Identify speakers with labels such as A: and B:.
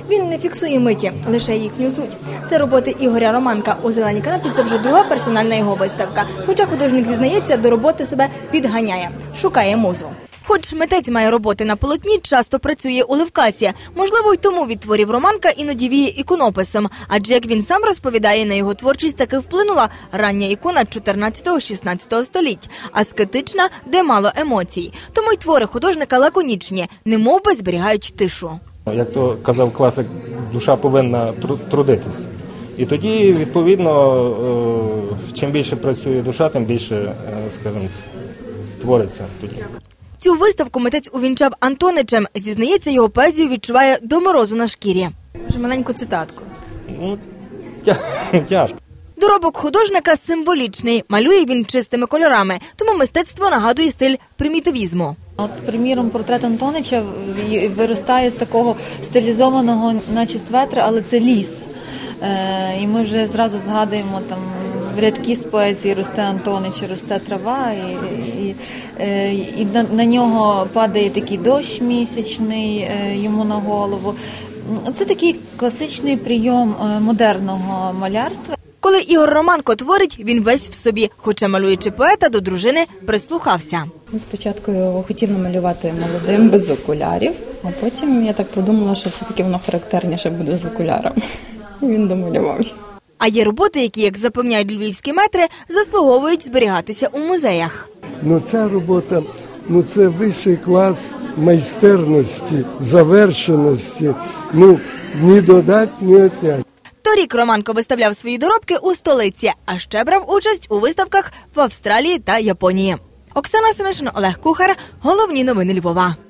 A: Він не фіксує миті, лише їхню суть. Це роботи Ігоря Романка. У «Зеленій канапі» це вже друга персональна його виставка. Хоча художник зізнається, до роботи себе підганяє, шукає музу. Хоч митець має роботи на полотні, часто працює у левкасі. Можливо, й тому від творів Романка іноді віє іконописом. Адже, як він сам розповідає, на його творчість таки вплинула рання ікона 14-16 століть, аскетична, де мало емоцій. Тому й твори художника лаконічні, немовби зберігають тишу.
B: Як то казав класик, душа повинна трудитись. І тоді, відповідно, чим більше працює душа, тим більше, скажімо, твориться тоді.
A: Цю виставку митець увінчав Антоничем. Зізнається, його поезію відчуває до морозу на шкірі. Вже маленьку цитатку.
B: Ну, тяжко.
A: Доробок художника символічний. Малює він чистими кольорами, тому мистецтво нагадує стиль примітивізму.
C: От, приміром, портрет Антонича виростає з такого стилізованого, наче светра, але це ліс. І ми вже зразу згадуємо там рядки з поезії «Росте Антонич, росте трава», і на нього падає такий дощ місячний йому на голову. Це такий класичний прийом модерного малярства.
A: Коли Ігор Романко творить, він весь в собі, хоча малюючи поета, до дружини прислухався.
D: Спочатку його хотів намалювати молодим, без окулярів, а потім я так подумала, що все-таки воно характерніше буде з окулярами. І він домалював.
A: А є роботи, які, як запевняють львівські метри, заслуговують зберігатися у музеях.
E: Ця робота, це вищий клас майстерності, завершеності, ні додать, ні отнять.
A: Торік Романко виставляв свої доробки у столиці, а ще брав участь у виставках в Австралії та Японії. Оксана Семишин, Олег Кухар. Головні новини Львова.